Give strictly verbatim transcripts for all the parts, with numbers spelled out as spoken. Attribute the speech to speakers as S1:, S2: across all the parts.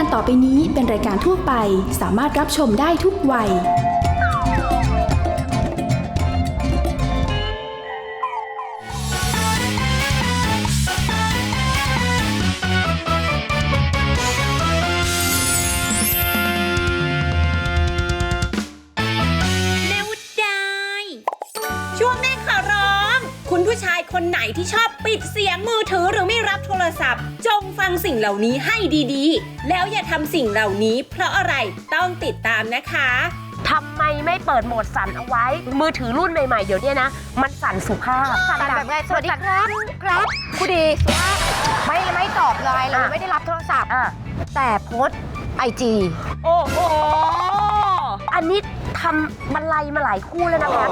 S1: การต่อไปนี้เป็นรายการทั่วไปสามารถรับชมได้ทุกวัย
S2: ผู้ชายคนไหนที่ชอบปิดเสียงมือถือหรือไม่รับโทรศัพท์จงฟังสิ่งเหล่านี้ให้ดีๆแล้วอย่าทำสิ่งเหล่านี้เพราะอะไรต้องติดตามนะคะ
S3: ทำไมไม่เปิดโหมดสั่นเอาไว้มือถือรุ่นใหม่ๆเดี๋ยวนี้นะมันสั่นสุภาพ
S4: สั่นแบบไงสวัสดีครับครับผู้ดีสุภาพไม่ไม่ตอบไลน์เลยไม่ได้รับโทรศัพท์แต่โพสไอจี
S3: โอ้โหอันนี้ทำมันไลมาหลายคู่แล้วนะคะ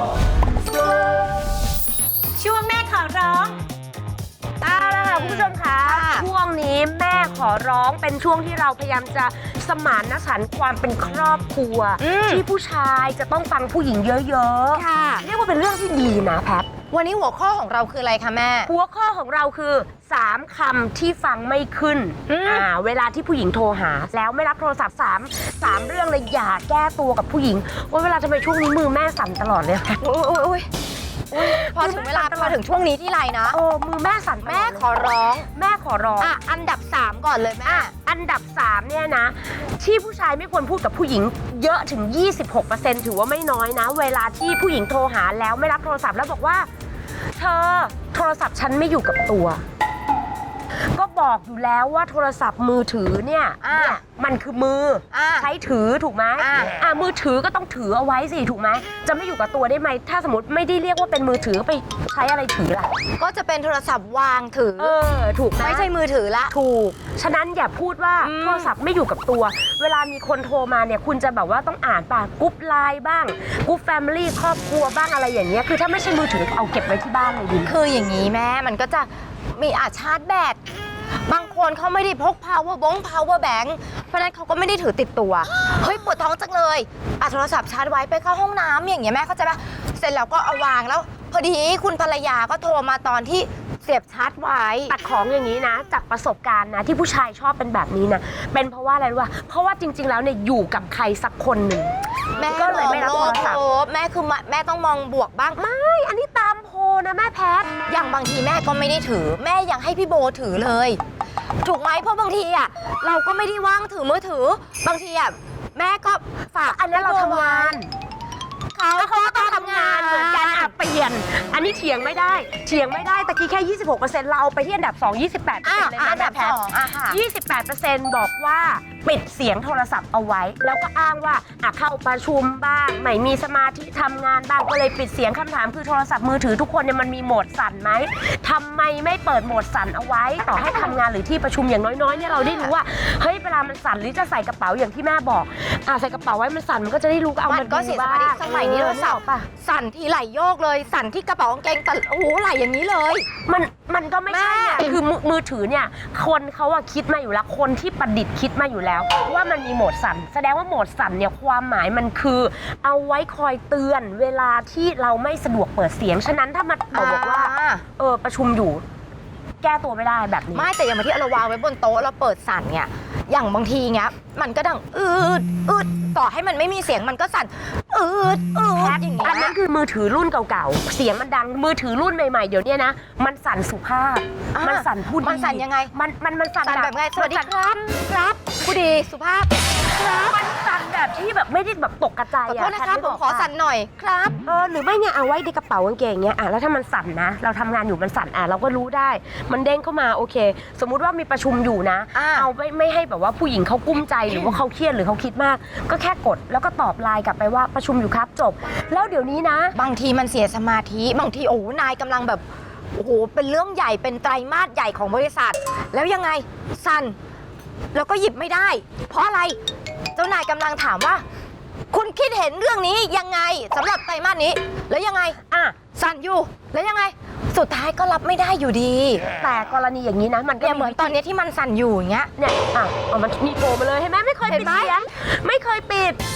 S2: ช่วงแม่ขอร้อง
S3: เอาละค่ะคุณผู้ชมคะช่วงนี้แม่ขอร้องเป็นช่วงที่เราพยายามจะสมานฉันท์ความเป็นครอบครัวที่ผู้ชายจะต้องฟังผู้หญิงเยอะๆค่ะเรียกว่าเป็นเรื่องที่ดีนะแพท
S4: วันนี้หัวข้อของเราคืออะไรคะแม่
S3: หัวข้อของเราคือสามคำที่ฟังไม่ขึ้นอ่าเวลาที่ผู้หญิงโทรหาแล้วไม่รับโทรศัพท์สามสามเรื่องเลยอย่าแก้ตัวกับผู้หญิงว่าเวลาทำไมช่วงนี้มือแม่สั่นตลอดเลย
S4: โอ้ยพอถึงเวลาพอถึงช่วงนี้ที่ไรนะ
S3: โอ้มือแม่สั่น
S4: แม่ขอร้อง
S3: แม่ขอร้อง
S4: อ่ะอันดับสามก่อนเลยแม่
S3: อันดับสามเนี่ยนะที่ผู้ชายไม่ควรพูดกับผู้หญิงเยอะถึง ยี่สิบหกเปอร์เซ็นต์ ถือว่าไม่น้อยนะเวลาที่ผู้หญิงโทรหาแล้วไม่รับโทรศัพท์แล้วบอกว่าเธอโทรศัพท์ฉันไม่อยู่กับตัวก็บอกอยู่แล้วว่าโทรศัพท์มือถือเนี่ยมันคือมือใช้ถือถูกไหมอ่ามือถือก็ต้องถือเอาไว้สิถูกไหมจะไม่อยู่กับตัวได้ไหมถ้าสมมติไม่ได้เรียกว่าเป็นมือถือไปใช้อะไรถือล่ะ
S4: ก็จะเป็นโทรศัพท์วางถือ
S3: เออถูก
S4: ไม่ใช่มือถือละ
S3: ถูกฉะนั้นอย่าพูดว่าโทรศัพท์ไม่อยู่กับตัวเวลามีคนโทรมาเนี่ยคุณจะแบบว่าต้องอ่านป่ะกรุ๊ปไลน์บ้างกรุ๊ปแฟมิลี่ครอบครัวบ้างอะไรอย่างเงี้ยคือถ้าไม่ใช่มือถือเอาเก็บไว้ที่บ้านเลยดี
S4: คืออย่างนี้แม่มันก็จะมีอาชาร์จแบตบางคนเขาไม่ได้พก power bank power bank เพราะนั้นเขาก็ไม่ได้ถือติดตัวเฮ้ยปวดท้องจังเลยอ่ะโทรศัพท์ชาร์จไว้ไปเข้าห้องน้ำอย่างเงี้ยแม่เข้าใจปะเสร็จแล้วก็เอาวางแล้วพอดีคุณภรรยาก็โทรมาตอนที่เสียบชาร์จไว้
S3: ตัดของอย่างนี้นะจากประสบการณ์นะที่ผู้ชายชอบเป็นแบบนี้นะเป็นเพราะว่าอะไรรู้ป่ะเพราะว่าจริงๆแล้วเนี่ยอยู่กับใครสักคนหนึ่ง
S4: แม่ก็เลยไม่รับโทรศัพท์แม่คือแม่ต้องมองบวกบ้าง
S3: ไม่อันนี้ตามโพนะแม่แพท
S4: อย่างบางทีแม่ก็ไม่ได้ถือแม่ยังให้พี่โบถือเลยถูกไหมเพราะบางทีอ่ะเราก็ไม่ได้ว่างถือมือถือบางทีอ่ะแม่ก็ฝาก
S3: อันนี้เราทำงาน
S4: เขาเขาต้องทำงาน
S3: เหมือนกันอ่ะเปลี่ยนอันนี้เถียงไม่ได้เถียงไม่ได้ตะกี้แค่ ยี่สิบหกเปอร์เซ็นต์ เราไปที่อันดับสอง ยี่สิบแปดเปอร์เซ็นต์ เลยนะ
S4: อันดับสองอ่ะค่ะ
S3: ยี่สิบแปดเปอร์เซ็นต์ บอกว่าปิดเสียงโทรศัพท์เอาไว้แล้วก็อ้างว่าอ่ะเข้าประชุมบ้างไม่มีสมาธิทำงานบ้างก็เลยปิดเสียงคำถามคือโทรศัพท์มือถือทุกคนเนี่ยมันมีโหมดสั่นไหมทำไมไม่เปิดโหมดสั่นเอาไว้ต่อให้ทำงานหรือที่ประชุมอย่างน้อยๆเนี่ยเราได้รู้ว่าเฮ้ยเวลามันสั่นหรือจะใส่กระเป๋าอย่างที่แม่บอกอ่ะใส่กระเป๋าไว้มันสั่นมันก็จะได้รู้ก็เอามัน
S4: ก็เสียสมาธิสมัยนี้โทรศัพท์สั่นทีไหลโยกเลยสั่นที่กระเป๋ากางเกงแต่โอ้โหไหลอย่างนี้เลย
S3: มันมันก็ไม่ใช่คือมือถือเนี่ยคนเขาอะคิดมาอยู่แล้วคนที่ประดิษฐ์คิดมาอยู่แล้วว่ามันมีโหมดสั่นแสดงว่าโหมดสั่นเนี่ยความหมายมันคือเอาไว้คอยเตือนเวลาที่เราไม่สะดวกเปิดเสียงฉะนั้นถ้ามันบอกว่าเออประชุมอยู่แก้ตัวไม่ได้แบบนี้
S4: ไม่แต่อย่างที่เราวางไว้บนโต๊ะเราเปิดสั่นเนี่ยอย่างบางทีเงี้ยมันก็ดังอืดอืดต่อให้มันไม่มีเสียงมันก็สั่นอืดอืดอย่างเงี้ย
S3: อันนั้นคือมือถือรุ่นเก่าๆเสียงมันดังมือถือรุ่นใหม่ๆเดี๋ยวนี้นะมันสั่นสุภาพมันสั่นพูดดี
S4: มันสั่นยังไง
S3: มันมันมันสั่น
S4: แบบไงสวัสดีครับครับพูดดีสุภาพครับ
S3: มันสั่นแบบที่แบบไม่ได้แบบตกกระจาย
S4: อ่ะขอโทษนะครับผมขอสั่นหน่อยครับ
S3: เออหรือไม่เนี่ยเอาไว้ในกระเป๋ากางเกงเงี้ยอ่ะแล้วถ้ามันสั่นนะเราทำงานอยู่มันสั่นอ่ะเราก็รู้ได้มันเด้งเข้ามาโอเคสมมุติว่ามีประชุมอยู่นะเอาไม่ไม่ให้แบบว่าผู้หญิงเขากุ้มใจหรือว่าเขาเครียดหรือเขาคิดมากก็แค่กดแล้วก็ตอบไลน์กลับไปว่าประชุมอยู่ครับจบแล้วเดี๋ยวนี้นะ
S4: บางทีมันเสียสมาธิบางทีโอ้นายกำลังแบบโอ้โหเป็นเรื่องใหญ่เป็นไตรมาสใหญ่ของบริษัทแล้วยังไงสั่นแล้วก็หยิบไม่ได้เพราะอะไรเจ้านายกำลังถามว่าคุณคิดเห็นเรื่องนี้ยังไงสำหรับไตรมาสนี้แล้วยังไงอ่ะสั่นอยู่แล้วยังไงสุดท้ายก็รับไม่ได้อยู่ดี
S3: แต่กรณีอย่างนี้นะมันก็
S4: เหมือนตอนนี้ที่มันสั่นอยู่อย่างเงี้ย
S3: เนี่ยอ่ะเอามันมีโผล่มาเลยเห็นไหมไม่เคยปิดเสียงไม่เคยปิด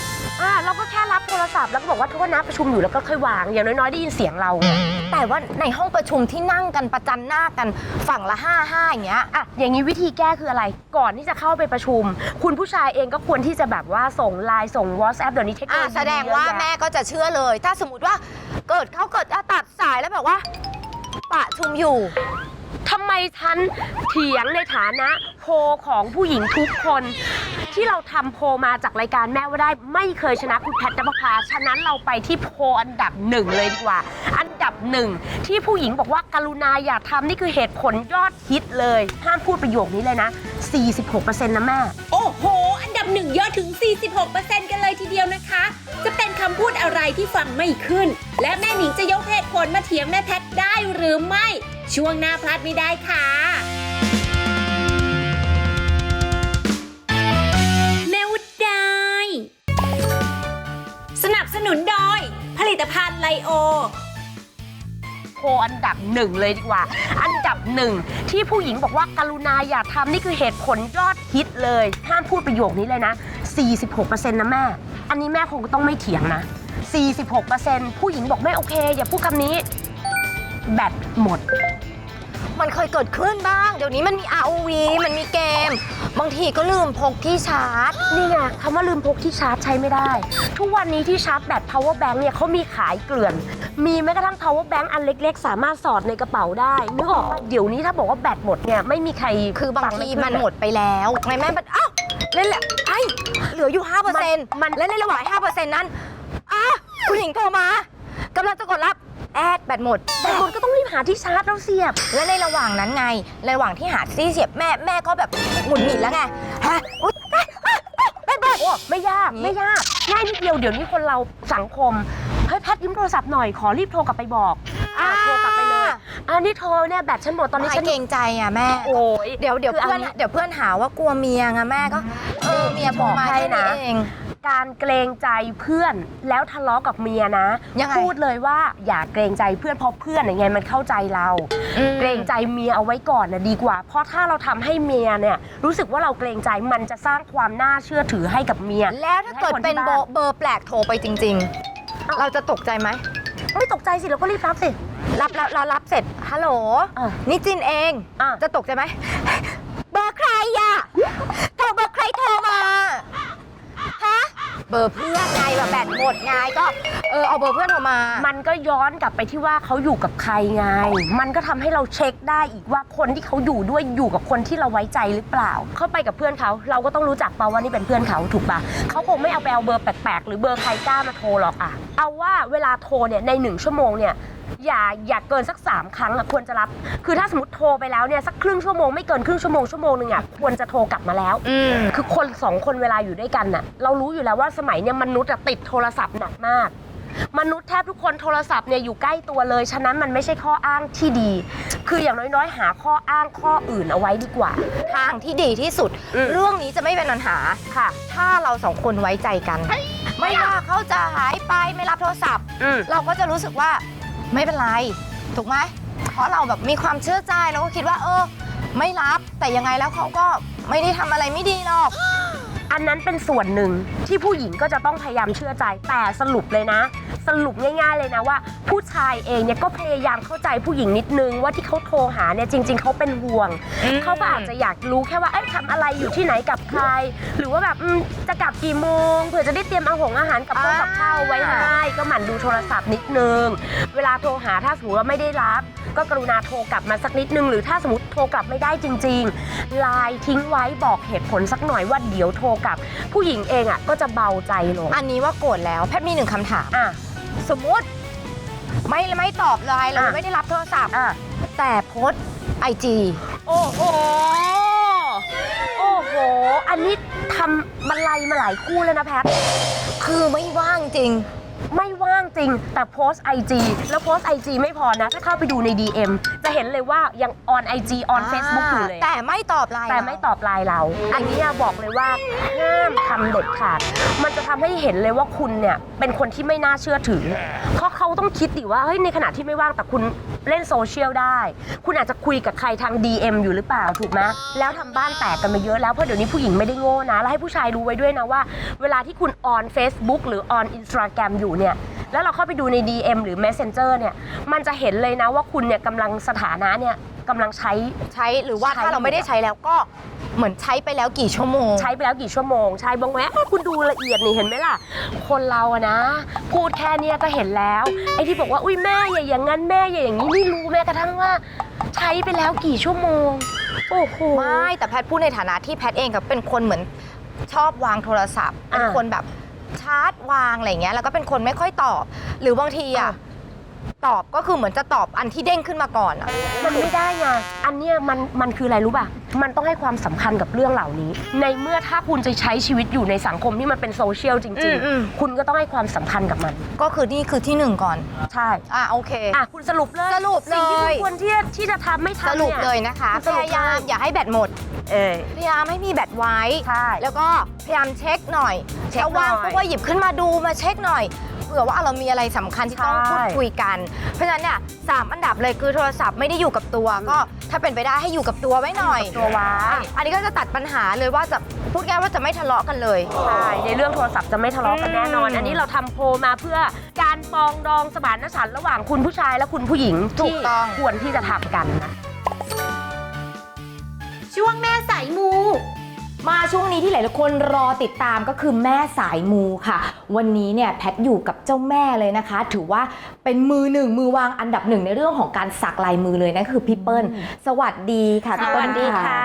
S3: อ่าเราก็แค่รับโทรศัพท์แล้วก็บอกว่าโทษนะประชุมอยู่แล้วก็ค่อยวางอย่างน้อยๆได้ยินเสียงเรา
S4: แต่ว่าในห้องประชุมที่นั่งกันประจันหน้ากันฝั่งละห้าห้าอย่างเงี้ย
S3: อ่ะอย่างนี้วิธีแก้คืออะไรก่อนที่จะเข้าไปประชุม คุณผู้ชายเองก็ควรที่จะแบบว่าส่งไลน์ส่ง WhatsApp เดี๋ยวนี้เทคโน
S4: อ่า
S3: โลยี
S4: แสดงว่า
S3: เยอะ
S4: แม่
S3: แยะ
S4: ก็จะเชื่อเลย ถ้าสมมติว่าเกิดเขาเกิดอ่ะตัดสายแล้วแบบว่าประชุมอยู่
S3: ทำไมฉันเถียงในฐานะโพลของผู้หญิงทุกคนที่เราทำโพลมาจากรายการแม่ว่าได้ไม่เคยชนะคุณแพทย์นภพาฉะนั้นเราไปที่โพลอันดับหนึ่งเลยดีกว่า อันดับหนึ่งที่ผู้หญิงบอกว่ากรุณาอย่าทำนี่คือเหตุผลยอดฮิตเลยห้ามพูดประโยคนี้เลยนะ สี่สิบหกเปอร์เซ็นต์ นะแม่
S2: โอ้โห อันดับหนึ่งยอดถึง สี่สิบหกเปอร์เซ็นต์ กันเลยทีเดียวนะคะ จะเป็นคำพูดอะไรที่ฟังไม่ขึ้น และแม่หนิงจะยกเหตุผลมาเถียงแม่แพทย์ได้หรือไม่ ช่วงหน้าพลาดไม่ได้ค่ะแม่วุฒได้สนับสนุนโดยผลิตภัณฑ์ไลโอ
S3: โพลอันดับหนึ่งเลยดีกว่า อันดับหนึ่งที่ผู้หญิงบอกว่ากรุณาอย่าทำนี่คือเหตุผลยอดฮิตเลยห้ามพูดประโยคนี้เลยนะ สี่สิบหกเปอร์เซ็นต์ นะแม่อันนี้แม่คงต้องไม่เถียงนะ สี่สิบหกเปอร์เซ็นต์ ผู้หญิงบอกไม่โอเคอย่าพูดคำนี้แบตหมด
S4: มันเคยเกิดขึ้นบ้าง เดี๋ยวนี้มันมี อาร์ โอ วี มันมีเกม บางทีก็ลืมพกที่ชาร์จ
S3: นี่ไงคำว่าลืมพกที่ชาร์จใช้ไม่ได้ ทุกวันนี้ที่ชาร์จแบต power bank เนี่ยเขามีขายเกลื่อน มีแม้กระทั่ง power bank อันเล็กๆ สามารถสอดในกระเป๋าได้นึกออกปะเดี๋ยวนี้ถ้าบอกว่าแบตหมดเนี่ยไม่มีใคร
S4: คือบาง
S3: ฟั
S4: ที
S3: ไขึ้
S4: มันหมดไปแล้วไงแม่มันอ้าวเล่นแหละไอ้เหลืออยู่ ห้าเปอร์เซ็นต์
S3: มัน
S4: และในระหว่าง ห้าเปอร์เซ็นต์ นั้นอ่ะคุณหญิงโทรมากำลังจะกดรับแอดแบตหมด
S3: แบตหมดก็ต้องรีบหาที่ชาร์จแล้วเสียบ
S4: และในระหว่างนั้นไงในระหว่างที่หาที่เสียบแม่แม่ก็แบบหงุดหงิดแล้วไงฮะอุ๊ยแม่แม่แม่
S3: โอ้ไม่ยาก
S4: อืม
S3: ไม่ยากง่ายนิดเดียวเดี๋ยวนี้คนเราสังคมเฮ้ยแพทยืมโทรศัพท์หน่อยขอรีบโทรกลับไปบอกอ่ะโทรกลับไปเลยอันนี้โทรเนี่ยแบตฉันหมดตอนนี้
S4: ไม่
S3: ฉัน
S4: เกรงใจอ่ะแม่
S3: โอ้ย
S4: เดี๋ยวเดี๋ยว
S3: คือ
S4: เพื่อน
S3: อันนี้
S4: เดี๋ยวเพื่อนหาว่ากลัวเมียไงแม่ก็เออเมียโทรมา
S3: บอกให้
S4: แค่
S3: นะ
S4: นี้เอง
S3: การเกรงใจเพื่อนแล้วทะเลาะกับเมียนะ
S4: ยังไง
S3: พูดเลยว่าอย่าเกรงใจเพื่อนเพราะเพื่อนยังไงมันเข้าใจเรา
S4: อืม
S3: เกรงใจเมียเอาไว้ก่อนนะดีกว่า เพราะถ้าเราทำให้เมียเนี่ยรู้สึกว่าเราเกรงใจมันจะสร้างความน่าเชื่อถือให้กับเมีย
S4: แล้วถ้าเกิดเป็นเบอร์เบอร์แปลกโทรไปจริง ๆ เราจะตกใจไหม
S3: ไม่ตกใจสิเราก็รีบรับสิ
S4: รับแล้วเรารับเสร็จฮัลโหล
S3: อ่ะ
S4: นี่จินเอง
S3: อ่ะ
S4: จะตกใจไหมเบอร์ใครอะโทรเบอร์ใครโทรมาฮะเบอร์เพื่อนไงแบบแบตหมดไงก็เออเอาเบอร์เพื่อนโทรมา
S3: มันก็ย้อนกลับไปที่ว่าเขาอยู่กับใครไง มันก็ทำให้เราเช็คได้อีกว่าคนที่เขาอยู่ด้วยอยู่กับคนที่เราไว้ใจหรือเปล่า เข้าไปกับเพื่อนเขาเราก็ต้องรู้จักเปล่าว่านี่เป็นเพื่อนเขาถูกปะเขาคงไม่เอาไปเอาเบอร์แปลกๆหรือเบอร์ใครกล้ามาโทรหรอกอะเอาว่าเวลาโทรเนี่ยในหนึ่งชั่วโมงเนี่ยอย่าอย่าเกินสักสามครั้งอะควรจะรับ คือถ้าสมมติโทรไปแล้วเนี่ยสักครึ่งชั่วโมงไม่เกินครึ่งชั่วโมงชั่วโมงนึงอะควรจะโทรกลับมาแล้ว
S4: อืม
S3: คือคนสองคนเวลาอยู่ด้วยกันน่ะเรารู้อยู่แล้วว่าสมัยเนี่ยมนุษย์อะติดโทรศัพท์หนักมาก มนุษย์แทบทุกคนโทรศัพท์เนี่ยอยู่ใกล้ตัวเลยฉะนั้นมันไม่ใช่ข้ออ้างที่ดี คืออย่างน้อยๆ หาข้ออ้างข้ออื่นเอาไว้ดีกว่า
S4: ทางที่ดีที่สุด
S3: อืม
S4: เรื่องนี้จะไม่เป็นปัญหา
S3: ค่ะ
S4: ถ้าเราสองคนไว้ใจกัน ไม่ว่าเขาจะหายไปไม่รับโทรศัพท์
S3: อืม
S4: เราก็จะรู้สึกว่าไม่เป็นไร ถูกไหมเพราะเราแบบมีความเชื่อใจเราก็คิดว่า เออ ไม่รับแต่ยังไงแล้วเขาก็ไม่ได้ทำอะไรไม่ดีหรอก
S3: อันนั้นเป็นส่วนหนึ่งที่ผู้หญิงก็จะต้องพยายามเชื่อใจแต่สรุปเลยนะ สรุปง่ายๆเลยนะว่า ผู้ชายเองเนี่ยก็พยายามเข้าใจผู้หญิงนิดนึงว่าที่เขาโทรหาเนี่ยจริง ๆเขาเป็นห่วง
S4: อืม
S3: เขาก็อาจจะอยากรู้แค่ว่าเอ้ยทำอะไรอยู่ที่ไหนกับใคร หรือว่าแบบอืมจะกลับกี่โมงเผื่อจะได้เตรียมอาหงอาหารกับข้าวกับข้าวไว้ให้ก็หมั่นดูโทรศัพท์นิดนึงเวลาโทรหาถ้าสมมติว่าไม่ได้รับ ก็กรุณาโทรกลับมาสักนิดนึงหรือถ้าสมมติโทรกลับไม่ได้จริงๆไลน์ทิ้งไว้บอกเหตุผลสักหน่อยว่าเดี๋ยวโทรกลับ ผู้หญิงเองอ่ะก็จะเบาใจลง
S4: อันนี้ว่าโกรธแล้วแพทย์มีหนึ่งคำถาม
S3: อ่ะ
S4: สมมุติไม่ไม่ตอบไลน์เรา
S3: อ่ะ
S4: ไม่ได้รับโทรศัพท์
S3: อ่ะ
S4: แต่โพสไอจี
S3: โอ้โหโอ้โหอันนี้ทำบรรลัยมาหลายคู่เลยนะแพท
S4: คือไม่ว่างจริง
S3: ไม่ว่างจริงแต่โพสไอจีแล้วโพสไอจีไม่พอนะถ้าเข้าไปดูใน ดี เอ็ม จะเห็นเลยว่ายังออนไอจีออนเฟซบุ๊กอยู่เลย
S4: แต่ไม่ตอบไลน์
S3: แต่ไม่ตอบไลน์เรา อันนี้บอกเลยว่าห้ามทำเด็ดขาดมันจะทำให้เห็นเลยว่าคุณเนี่ยเป็นคนที่ไม่น่าเชื่อถือเพราะเขาต้องคิดดิว่าเฮ้ยในขณะที่ไม่ว่างแต่คุณเล่นโซเชียลได้ คุณอาจจะคุยกับใครทาง ดี เอ็ม อยู่หรือเปล่าถูกไหมแล้วทำบ้านแตกกันมาเยอะแล้วเพราะเดี๋ยวนี้ผู้หญิงไม่ได้โง่นะแล้วให้ผู้ชายรู้ไว้ด้วยนะว่าเวลาที่คุณออน Facebook หรือออน Instagram อยู่เนี่ยแล้วเราเข้าไปดูใน ดี เอ็ม หรือ Messenger เนี่ยมันจะเห็นเลยนะว่าคุณเนี่ยกำลังสถานะเนี่ยกำลังใช้
S4: ใช้หรือว่า
S3: ใช้
S4: ถ้าเราไม่ได้ใช้แล้วก็เหมือนใช้ไปแล้วกี่ชั่วโมง
S3: ใช้ไปแล้วกี่ชั่วโมงใช่บางแวะคุณดูละเอียดนี่เห็นไหมล่ะคนเราอะนะพูดแค่เนี้ยก็เห็นแล้วไอ้ที่บอกว่าอุ้ยแม่อย่าอย่างงั้นแม่อย่าอย่างนี้ไม่รู้แม้กระทั่งว่าใช้ไปแล้วกี่ชั่วโมงโอ้โห
S4: ไม่แต่แพทย์พูดในฐานะที่แพทย์เองกับเป็นคนเหมือนชอบวางโทรศัพท์เป็น
S3: อ่า
S4: คนแบบชาร์จวางอะไรเงี้ยแล้วก็เป็นคนไม่ค่อยตอบ หรือบางทีอ่ะตอบก็คือเหมือนจะตอบอันที่เด้งขึ้นมาก่อนอ่ะ
S3: มันไม่ได้ไงอันเนี้ยมันมันคืออะไรรู้ป่ะมันต้องให้ความสำคัญกับเรื่องเหล่านี้ ในเมื่อถ้าคุณจะใช้ชีวิตอยู่ในสังคมที่มันเป็นโซเชียลจริงๆคุณก็ต้องให้ความสำคัญกับมัน
S4: ก็คือนี่คือที่หนึ่งก่อน
S3: ใช่
S4: อ่ะโอเค
S3: อ่ะคุณสรุปเลย
S4: สรุปเลย
S3: สิ่งที่คุณควรที่ที่จะทำไม่ทำ
S4: ส
S3: นี่
S4: รุปเลยนะคะ
S3: คุณ
S4: พ
S3: สรุป
S4: ยายามอย่าให้แบตหมด
S3: เออ
S4: พยายามให้มีแบตไว้
S3: ใช่
S4: แล้วก็พยายามเช็คหน่อย
S3: เช็ค
S4: ถ้าว่าง
S3: หน่อย
S4: ปุ๊บก็หยิบขึ้นมาดูมาเช็คหน่อยเผื่อว่าเรามีอะไรสำคัญที่ต้อง
S3: ใช่
S4: พูดคุยกัน เพราะฉะนั้นเนี่ยสามอันดับเลยคือโทรศัพท์ไม่ได้อยู่กับตัว ก็ถ้าเป็นไปได้ให้อยู่กับตัวไว้หน่อย
S3: ตัวไว้
S4: อ่ะอันนี้ก็จะตัดปัญหาเลยว่าจะพูดง่ายว่าจะไม่ทะเลาะกันเลย
S3: ใช่ในเรื่องโทรศัพท์จะไม่ทะเลาะกันแน่นอน
S4: อืม
S3: อันนี้เราทำโพลมาเพื่อการปรองดองสมานฉันท์ระหว่างคุณผู้ชายและคุณผู้หญิง
S4: ถูกต้อง
S3: ที่ควรที่จะทำกันนะ
S2: ช่วงแม่สายมู
S5: มาช่วงนี้ที่หลายๆคนรอติดตามก็คือแม่สายมูค่ะ วันนี้เนี่ยแพทอยู่กับเจ้าแม่เลยนะคะ ถือว่าเป็นมือหนึ่งมือวางอันดับหนึ่งในเรื่องของการสักลายมือเลยนั่นคือพี่เปิ้ลสวัสดีค่ะพี่เปิ้ล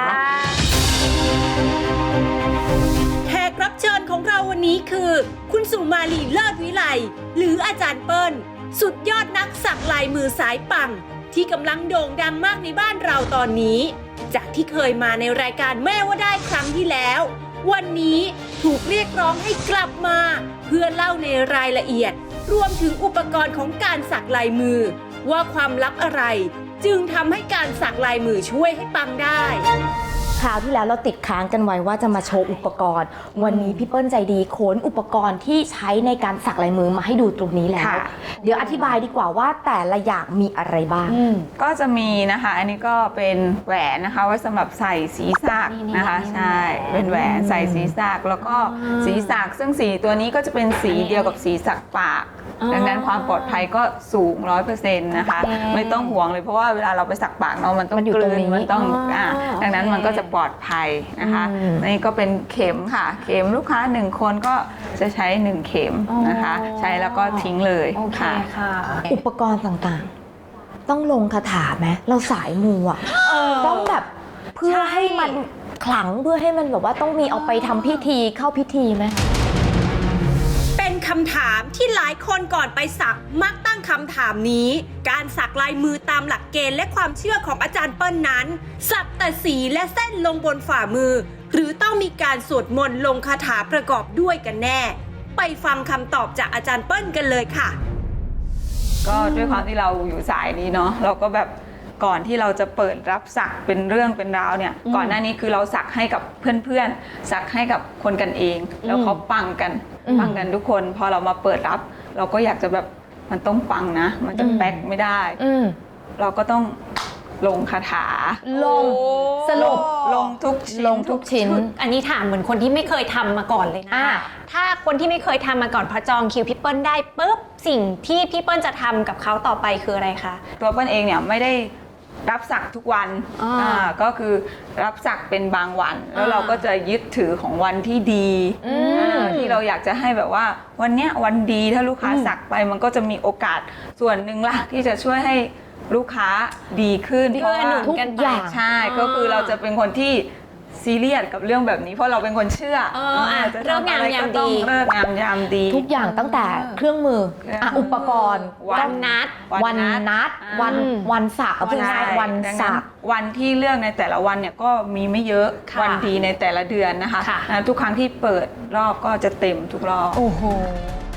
S2: แขกรับเชิญของเราวันนี้คือ คุณสุมาลีเลิศวิไลหรืออาจารย์เปิ้ลสุดยอดนักสักลายมือสายปังที่กำลังโด่งดังมากในบ้านเราตอนนี้ จากที่เคยมาในรายการแม่ว่าได้ครั้งที่แล้ว วันนี้ถูกเรียกร้องให้กลับมา เพื่อเล่าในรายละเอียด รวมถึงอุปกรณ์ของการสักลายมือ ว่าความลับอะไร จึงทำให้การสักลายมือช่วยให้ปังได้
S5: คราวที่แล้วเราติดค้างกันไว้ว่าจะมาโชว์อุปกรณ์ วันนี้พี่เปิ้ลใจดีขนอุปกรณ์ที่ใช้ในการสักลายมือมาให้ดูตรงนี้แล้ว
S6: ค่ะ
S5: เดี๋ยวอธิบายดีกว่าว่าแต่ละอย่างมีอะไรบ้าง
S6: ก็จะมีนะคะ อันนี้ก็เป็นแหวนนะคะไว้สำหรับใส่ศีรษะนะคะ ใช่ เป็นแหวนใส่ศีรษะแล้วก็ศีรษะซึ่งสีตัวนี้ก็จะเป็นสีเดียวกับสีสักปาก ดังนั้นความปลอดภัยก็สูง ร้อยเปอร์เซ็นต์ นะคะ ไม่ต้องห่วงเลยเพราะว่าเวลาเราไปสักปากเนาะมันต้อง
S5: มันอยู่
S6: ก
S5: ตร
S6: ลื
S5: ง
S6: น
S5: นี้
S6: มันต้อง
S5: อ๋ออ่
S6: อ่าดังนั้นมันก็จะปลอดภัยนะคะ
S5: อืม
S6: นี่ก็เป็นเข็มค่ะ เข็มลูกค้าหนึ่งคนก็จะใช้หนึ่งเข็มนะคะ ใช้แล้วก็ทิ้งเลยค่ะ
S5: อุปกรณ์ต่างๆ ต้องลงคาถาไหมเราสายมูอ่ะต้องแบบเพื่อให้มันขลังเพื่อให้มันแบบว่าต้องมีเอาไปทำพิธีเข้าพิธีไหม
S2: เป็นคำถามที่หลายคนก่อนไปสักมักตั้งคำถามนี้ การสักลายมือตามหลักเกณฑ์และความเชื่อของอาจารย์เปิ้ลนั้น สักแต่สีและเส้นลงบนฝ่ามือ หรือต้องมีการสวดมนต์ลงคาถาประกอบด้วยกันแน่ ไปฟังคำตอบจากอาจารย์เปิ้ลกันเลยค่ะ
S6: ก็ด้วยความที่เราอยู่สายนี้เนาะเราก็แบบก่อนที่เราจะเปิดรับสักเป็นเรื่องเป็นราวเนี่ยก่อนหน้านี้คือเราสักให้กับเพื่อนๆสักให้กับคนกันเอง แล้วเขาปังกันปังกันทุกคนพอเรามาเปิดรับ เราก็อยากจะแบบมันต้องปังนะ มันจะแป๊กไม่ได้
S5: อืม
S6: เราก็ต้องลงคาถา
S5: ลงสรุป
S6: ลงทุกชิ้น
S5: ลงทุกชิ้น
S7: อันนี้ถามเหมือนคนที่ไม่เคยทำมาก่อนเลยนะ
S5: อ่า
S7: ถ้าคนที่ไม่เคยทำมาก่อนพอจองคิวพี่เปิ้ลได้ปุ๊บสิ่งที่พี่เปิ้ลจะทำกับเขาต่อไปคืออะไรคะ
S6: ตัวเปิ้ลเองเนี่ยไม่ได้รับสักทุกวัน
S7: อ่า
S6: อ่าก็คือรับสักเป็นบางวัน แล้ว
S7: อ่า
S6: เราก็จะยึดถือของวันที่ดีอ่าที่เราอยากจะให้แบบว่าวันเนี้ยวันดีถ้าลูกค้าสักไปมันก็จะมีโอกาสส่วนหนึ่งละที่จะช่วยให้ลูกค้าดีขึ้น
S7: เกื้อหนุน
S5: ทุก
S7: กันไป
S5: อย่าง
S6: ใช่ก็คือเราจะเป็นคนที่ซีเรียสกับเรื่องแบบนี้ เพราะเราเป็นคนเชื่อ
S7: เอออ่ะ
S6: จะ
S7: เลิก
S6: ทำ
S7: งาม
S6: อะไร
S7: ยาม
S6: ก็ต้อง
S7: ดี
S6: เลิกงามยามดี
S5: ทุกอย่างตั้งแต่เครื่องมือ
S6: เครื่อง
S5: อ่ะ
S6: มือ
S5: อุปกรณ์
S6: วัน
S7: นัด
S5: วันนัด
S6: อ่า
S5: วันวันสักเอาเป็น
S6: ใช่
S5: วัน
S6: ดัง
S5: สัก
S6: วันที่เลือกในแต่ละวันเนี่ยก็มีไม่เยอะ
S7: ค่ะ
S6: วันดีในแต่ละเดือนนะคะ
S7: ค่ะ
S6: อ่าทุกครั้งที่เปิดรอบก็จะเต็มทุกรอบ
S5: โอ้โห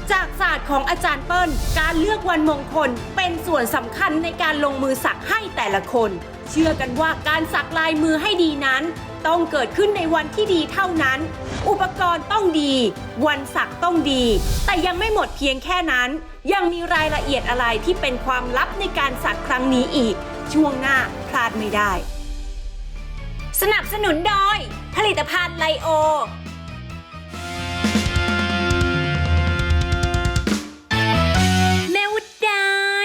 S2: จากศาสตร์ของอาจารย์เปิ้ลการเลือกวันมงคลเป็นส่วนสำคัญในการลงมือสักให้แต่ละคน เชื่อกันว่าการสักลายมือให้ดีนั้นต้องเกิดขึ้นในวันที่ดีเท่านั้น อุปกรณ์ต้องดี วันสักต้องดี แต่ยังไม่หมดเพียงแค่นั้น ยังมีรายละเอียดอะไรที่เป็นความลับในการสักครั้งนี้อีก ช่วงหน้าพลาดไม่ได้ สนับสนุนโดยผลิตภัณฑ์ไลโอแม่วุฒได้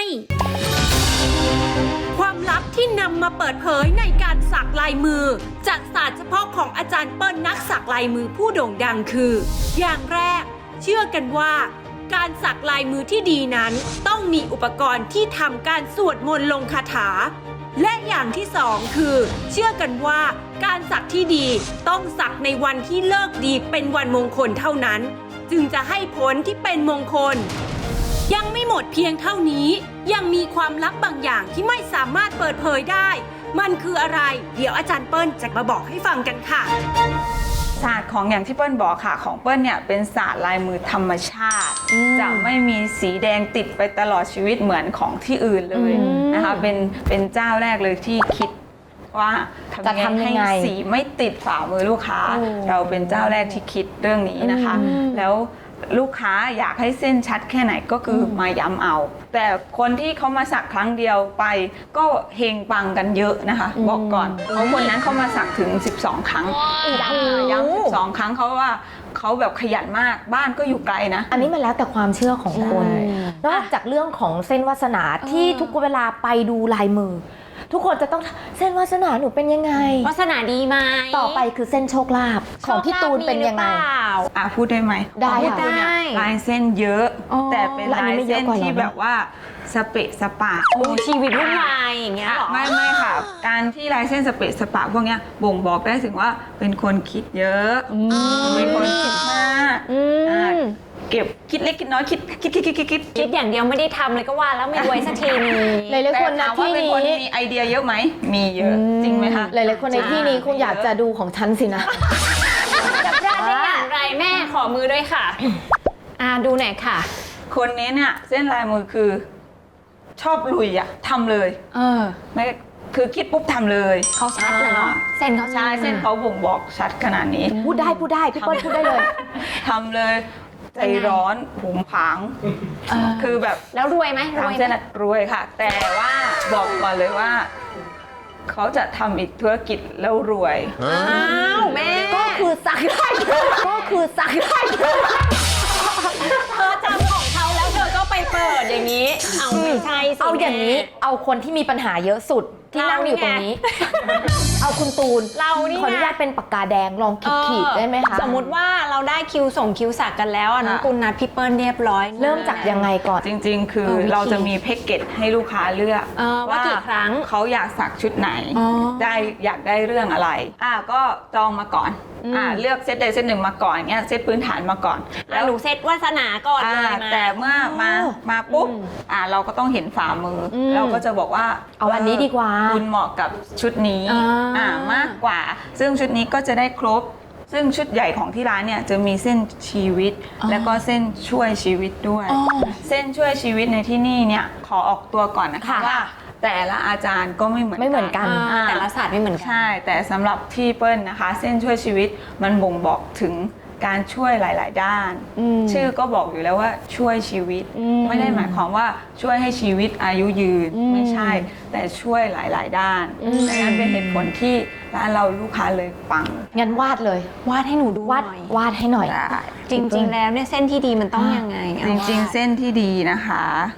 S2: ความลับที่นำมาเปิดเผยในการสักลายมือจากศาสตร์เฉพาะของอาจารย์เปิ้ลนักสักลายมือผู้โด่งดังคือ อย่างแรก เชื่อกันว่า การสักลายมือที่ดีนั้นต้องมีอุปกรณ์ที่ทำการสวดมนต์ลงคาถา และอย่างที่สองคือ เชื่อกันว่าการสักที่ดีต้องสักในวันที่เลิกดีเป็นวันมงคลเท่านั้น จึงจะให้ผลที่เป็นมงคล ยังไม่หมดเพียงเท่านี้ยังมีความลับบางอย่างที่ไม่สามารถเปิดเผยได้ มันคืออะไร เดี๋ยวอาจารย์เปิ้ลจะมาบอกให้ฟังกันค่ะ
S6: ศาสตร์ของอย่างที่เปิ้ลบอกค่ะของเปิ้ลเนี่ยเป็นศาสตร์ลายมือธรรมชาติ จะไม่มีสีแดงติดไปตลอดชีวิตเหมือนของที่อื่นเลยนะคะเป็นเป็นเจ้าแรกเลยที่คิดว่า
S5: จะทำยังไง
S6: ให้สีไม่ติดฝ่ามือลูกค้า เราเป็นเจ้าแรกที่คิดเรื่องนี้นะคะ แล้วลูกค้าอยากให้เส้นชัดแค่ไหนก็คือมาย้ำเอา แต่คนที่เขามาสักครั้งเดียวไปก็เฮงปังกันเยอะนะคะ บอกก่อนเพราะคนนั้นเขามาสักถึงสิบสองครั้งย้ำย้ำสิบสองครั้งเขาว่าเขาแบบขยันมากบ้านก็อยู่ไกลนะ
S5: อันนี้มันแล้วแต่ความเชื่อของคน นอกจากเรื่องของเส้นวาสนาที่ทุกเวลาไปดูลายมือ ทุกคนจะต้องเส้นวาสนาหนูเป็นยังไง
S7: วาสนาดีไหม
S5: ต่อไปคือเส้นโชคลาภของพี่ตูนเป็นยังไง
S7: โชคลาภมีหรือเปล่า
S6: อ่ะพูดได้ไหม
S5: ได้
S6: ของพี่ตูนเนี่ย
S7: ได้
S6: ลายเส้นเยอะ
S7: อ๋อ
S6: แต่เป็น
S5: แล้วอัน
S6: ลา
S5: นี้
S6: ย
S5: ไม่เยอะ
S6: เส้น
S5: กว่าเหรอ
S6: ที่แบบว่าสเปะสปะ
S7: โอ้ชีวิตวุ่นวายอย่างเงี้ยเหรอ
S6: ไม่ไม่ค่ะ การที่ลายเส้นสเปะสปะพวกเนี้ยบ่งบอกได้ถึงว่าเป็นคนคิดเยอะเป็นคนคิดมากอ่ะเก็บคิดเล็กคิดน้อยคิดคิดคิดคิดคิดคิด
S7: คิดอย่างเดียวไม่ได้ทำเลยก็ว่าแล้วไม่รวยสักทีนึง
S5: หลายๆคน
S6: แต่
S5: นะ
S6: ถามว่า
S5: ที่
S6: เป็น
S5: นี้
S6: คนมีไอเดียเยอะไหมมีเยอะจริงไหมคะ
S5: หลายๆคนในที่นี้คงอยากจะดูของฉันสินะ
S7: จะพลาดได้อย่างไรแม่ขอมือด้วยค่ะ อ่าดูหน่อยค่ะ
S6: คนนี้เนี่ยเส้นลายมือคือชอบลุยอะทำเลย
S7: เออ
S6: ไม่คือคิดปุ๊บทำเลย
S7: เขาชัดเลยเนาะเส้นเขา
S6: ใช่เส้นเขาบ่งบอกชัดขนาดนี้
S5: พูดได้พูดได้พี่เปิ้ลพูดได้เลย
S6: ทำเลยใจร้อนผุมผางคือแบบ
S7: แล้วรวยไหมรวย
S6: ทำ
S7: ไห
S6: เส้น
S7: ม
S6: อะรวยค่ะ แต่ว่าบอกก่อนเลยว่า เขาจะทำอีกธุรกิจแล้วรวย
S7: อ้าวแม่
S5: ก็คือสักได้ก็คือสักได้
S7: เธอจำของเขาแล้วเธอก็ไปเปิดอย่างนี้ เอาไม่ใช่สิ
S5: เอาอย่างนี้
S7: นี้
S5: เอาคนที่มีปัญหาเยอะสุดที่นั่งอยู่ตรงนี้ เอาคุณตูน
S7: เรานี่
S5: ขออนุ
S7: ไง
S5: ญาตเป็นปากกาแดงลองขีดขีดๆได้ไหมคะ
S7: สมมติว่าเราได้คิวส่งคิวสักกันแล้วอ่ะน้อง
S6: ค่ะ
S7: กุลนัดพี่เปิ้ลเรียบร้อย
S5: เริ่มจากยังไงก่อน
S6: จริงๆ คือ
S7: เออวิธี
S6: เราจะมีแพ็กเกจให้ลูกค้าเลือก
S7: เออว่ากี่ครั้ง
S6: เขาอยากสักชุดไหน
S7: อ๋อ
S6: ได้อยากได้เรื่องอะไรอ่ะก็จองมาก่อนอ่ะเลือกเซตใดเซตหนึ่งมาก่อนเงี้ยเซตพื้นฐานมาก่อน
S7: แล้วหนูเซตวาสนาก่อนเล
S6: อ่าย
S7: มา
S6: แต่เมื่อมามาปุ๊บอ่ะเราก็ต้องเห็นฝ่ามืออเราก็จะบอกว่า
S5: เอาอันนี้ดีกว่า
S6: คุณเหมาะกับชุดนี้
S7: อ่า
S6: อ่ามากกว่า ซึ่งชุดนี้ก็จะได้ครบ ซึ่งชุดใหญ่ของที่ร้านเนี่ยจะมีเส้นชีวิต แล้วก็เส้นช่วยชีวิตด้วย เส้นช่วยชีวิตในที่นี่เนี่ยขอออกตัวก่อนนะคะ
S5: ค่ะ
S6: ว่าแต่ละอาจารย์ก็ไม่เหมือน
S5: ไม่เหมือนกัน
S7: อ่าแต่ละศาสตร์ไม่เหมือนกัน
S6: ใช่ แต่สำหรับที่เปิ้ลนะคะ เส้นช่วยชีวิตมันบ่งบอกถึงการช่วยหลาย ๆ ด้าน ชื่อก็บอกอยู่แล้วว่าช่วยชีวิต ไม่ได้หมายความว่าช่วยให้ชีวิตอายุยืนไม่ใช่ แต่ช่วยหลาย ๆ ด้านดังนั้นเป็นเหตุผลที่ร้านเราลูกค้าเลยปัง
S5: งั้นวาดเลย
S7: วาดให้หนูดูห
S5: วาด
S7: น่อยว
S5: าดให้หน่อย
S6: ได้
S7: จริง ๆ แล้วเนี่ยเส้นที่ดีมันต้องยังไงเอา
S6: จริง
S7: ว่า
S6: ๆ เส้นที่ดีนะคะ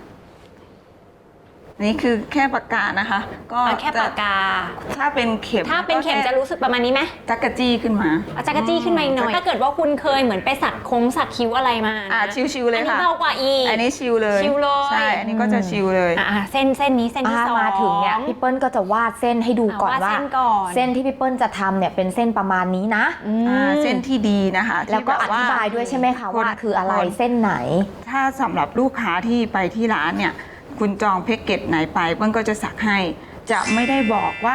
S6: นี่คือแค่ปากกานะคะ ก็
S7: เอาแค่ปากกา
S6: ถ้าเป็นเข็ม
S7: ถ้าเป็นเข็มจะรู้สึกประมาณนี้ไหม
S6: จักกะจี้ขึ้นมา
S7: เอาจักรจี้ขึ้นมาอีกหน่อย ถ้าเกิดว่าคุณเคยเหมือนไปสักโค้งสักคิ้วอะไรมา
S6: อ่า
S7: นะ
S6: ชิวๆเลยค่ะ
S7: อันนี้เบากว่าอีก
S6: อันนี้ชิวเลย
S7: ชิวเลย
S6: ใช่ อันนี้ก็จะชิวเลย
S7: อ่าเส้นเส้นนี้เส้นที่
S5: อ่า
S7: สอง
S5: มาถึงเนี่ยพี่เปิ้ลก็จะวาดเส้นให้ดูก่อน
S7: อ่าวาด
S5: ว่า
S7: เส้นก่อน
S5: เส้นที่พี่เปิ้ลจะทำเนี่ยเป็นเส้นประมาณนี้นะ
S6: อ่าเส้นที่ดีนะคะ
S5: แล้วก็อ
S6: ที่บบ
S5: ธิบายด้วยใช่ไหมคะว่าคืออะไรเส้นไหน
S6: ถ้าสำหรับลูกค้าที่ไปที่ร้านเนี่ย คุณจองแพ็กเกจไหนไปเปิ้ลก็จะสักให้ จะไม่ได้บอกว่า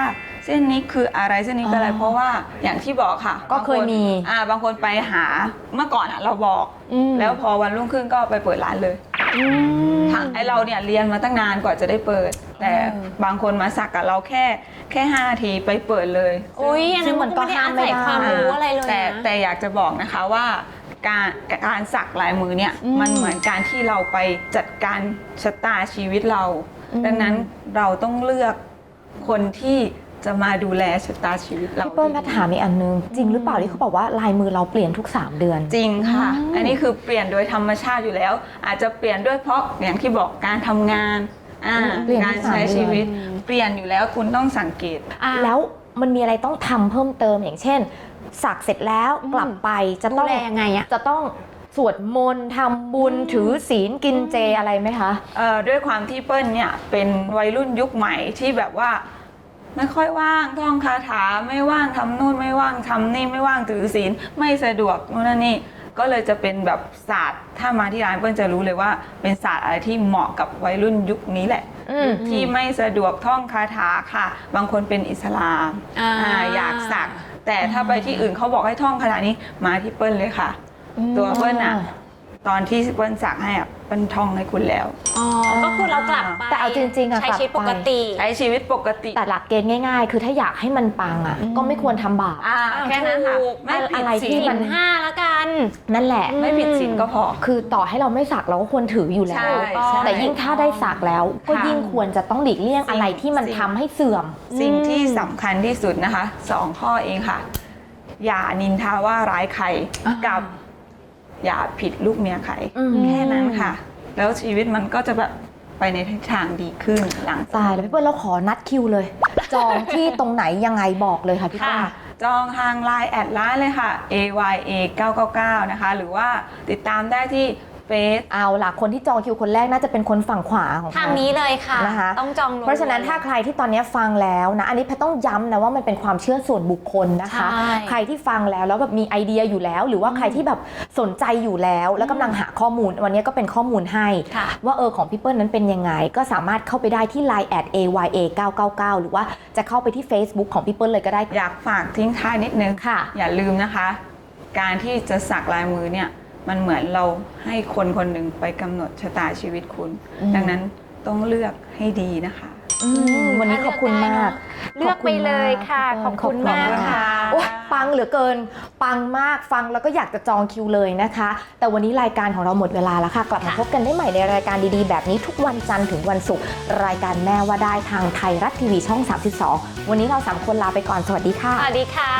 S6: เส้นนี้คืออะไรเส้นนี้คืออะไร
S5: อ๋อ
S6: เพราะว่าอย่างที่บอกค่ะ
S5: ก็เคยมี
S6: บางนอ่าบางคนไปหาเมื่อก่อนอ่ะเราบอก
S5: อืม
S6: แล้วพอวันรุ่งขึ้นก็ไปเปิดร้านเลยทางไอเราเนี่ยเรียนมาตั้งนานกว่าจะได้เปิด แต่บางคนมาสักกับเราแค่แค่ห้านาทีไปเปิดเลย
S7: อุ้ยอันนั้นมันก็ไม่ได้อาศัยความรู้อะไรเลย
S6: แต่
S7: นะ
S6: แต่อยากจะบอกนะคะว่าการการสักลายมือเนี่ย
S5: อืม
S6: มันเหมือนการที่เราไปจัดการชะตาชีวิตเรา
S5: อืม
S6: ดังนั้นเราต้องเลือกคนที่จะมาดูแลชะตาชีวิตเรา
S5: พี่เปิ้ลแพทย์ถามอีกอันนึง จริงหรือเปล่าที่เขาบอกว่าลายมือเราเปลี่ยนทุกสามเดือน
S6: จริงค่ะ อันนี้คือเปลี่ยนโดยธรรมชาติอยู่แล้ว อาจจะเปลี่ยนด้วยเพราะอย่างที่บอกการทำงานอ่า
S5: เปลี่ยนทุ
S6: การ
S5: กสาม
S6: ใช้
S5: เดือน
S6: ชีวิต เปลี่ยนอยู่แล้วคุณต้องสังเกต
S5: แล้วมันมีอะไรต้องทำเพิ่มเติมอย่างเช่น สักเสร็จแล้วกลับไปจะ
S7: ดู
S5: ต้อง
S7: แลยังไงอะ
S5: จะต้องสวดมนต์ทำบุญถือศีลกินเจอะไรไหมคะ
S6: เอ่อด้วยความที่เปิ้ลเนี่ยเป็นวัยรุ่นยุคใหม่ที่แบบว่า ไม่ค่อยว่างท่องคาถาไม่ว่างทำนู่นไม่ว่างทำนี่ไม่ว่างถือศีลไม่สะดวกนู่นนั่นนี่ก็เลยจะเป็นแบบศาสตร์ถ้ามาที่ร้านเปิ้ลจะรู้เลยว่าเป็นศาสตร์อะไรที่เหมาะกับวัยรุ่นยุคนี้แหละ
S5: อืม
S6: ยุคที่ไม่สะดวกท่องคาถาค่ะ บางคนเป็นอิสลาม
S7: อ่า
S6: อ่าอยากสัก แต่ถ้าไปที่อื่นเขาบอกให้ท่องคาถานี้มาที่เปิ้ลเลยค่ะ ตัวเปิ้ลอะตอนที่เปิ้ลสักให้อะเปิ้ลท่องให้คุณแล้ว
S7: อ๋อ ก็คือเรากลับไป
S5: แต่เอาจริงๆอะ
S7: ใช้
S5: กลับ
S7: ชีวิตปกติ
S6: ใช้ชีวิตปกติ
S5: แต่หลักเกณฑ์ง่ายๆ คือถ้าอยากให้มันปังอ่ะ ก็ไม่ควรทำบาป
S6: อ่าแค่นั้นค่ะ
S7: ถูก
S6: ไม่ผิด
S5: อะไรที่
S6: ศีล
S5: มัน
S7: ห้าแล้วกัน
S5: นั่นแหละ
S6: ไม่ผิดศีลก็พอ
S5: คือต่อให้เราไม่สักเราก็ควรถืออยู่แล้
S6: ใช่
S5: ว
S6: ใช่
S5: แต่ยิ่งถ้าได้สักแล้ว ก็
S6: ค่ะ
S5: ยิ่งควรจะต้องหลีกเลี่ยงอะไรที่มัน
S6: สิ่ง
S5: ทำให้เสื่อม
S6: สิ่งที่สำคัญที่สุดนะคะสองข้อเองค่ะ อย่านินทาว่าร้ายใคร
S5: อ่ากั
S6: กับ อย่าผิดลูกเมียใคร
S5: อืม
S6: แค่นั้นค่ะ แล้วชีวิตมันก็จะแบบไปในทิศทางดีขึ้นหลัง
S5: ตายแล้วพี่เปิ้ลเราขอนัดคิวเลย จองที่ตรงไหนยังไงบอกเลยค่ะพี่เปิ้ล
S6: ค่ะ จองทางไลน์แอดไลน์เลยค่ะ เอ วาย เอ เก้า เก้า เก้า นะคะ หรือว่าติดตามได้ที่เฟซ
S5: เอาล่ะคนที่จองคิวคนแรกน่าจะเป็นคนฝั่งขวาของ
S7: ทางนี้เลยค่ะ
S5: นะคะ
S7: ต้องจอง
S5: เพราะฉะนั้นถ้าใครที่ตอนนี้ฟังแล้วนะ อันนี้แพทย์ต้องย้ำนะว่ามันเป็นความเชื่อส่วนบุคคลนะคะ
S7: ใช่
S5: ใครที่ฟังแล้วแล้วแบบมีไอเดียอยู่แล้ว หรือว่าใครที่แบบสนใจอยู่แล้ว แล้วกำลังหาข้อมูลวันนี้ก็เป็นข้อมูลให้
S7: ค่ะ
S5: ว่าเออของพี่เปิ้ลนั้นเป็นยังไง ก็สามารถเข้าไปได้ที่ ไลน์ แอด เอ วาย เอ เก้า เก้า เก้า หรือว่าจะเข้าไปที่ Facebook ของพี่เปิ้ลเลยก็ได้
S6: อยากฝากทิ้งท้ายนิดนึง
S5: ค่ะ
S6: อย่าลืมนะคะ การที่จะสักลายมือเนี่ยมันเหมือนเราให้คนคนหนึ่งไปกำหนดชะตาชีวิตคุณ
S5: อืม
S6: ดังนั้นต้องเลือกให้ดีนะคะ
S5: อืมวันนี้ขอบคุณมาก
S7: เลือกไปเลยค่ะ ขอบคุณมากค่ะ
S5: โอ๊ยปังเหลือเกิน ปังมากฟังแล้วก็อยากจะจองคิวเลยนะคะ แต่วันนี้รายการของเราหมดเวลาแล้วค่ะ กลับมาพบกันได้ใหม่ในรายการดีๆ แบบนี้ทุกวันจันทร์ถึงวันศุกร์รายการแม่ว่าได้ทางไทยรัฐทีวีช่อง สามสิบสอง วันนี้เราสามคนลาไปก่อนสวัสดีค่ะ
S7: สวัสดีค่ะ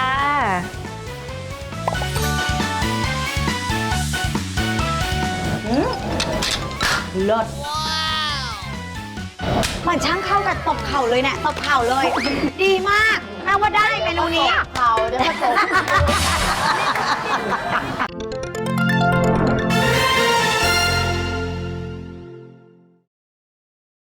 S8: เลิศมันช่างเข้ากับตบเข่าเลยเนี่ยตบเข่าเลย ดีมากแม่ว่าได้เมนูนี้
S4: เขาจะผสม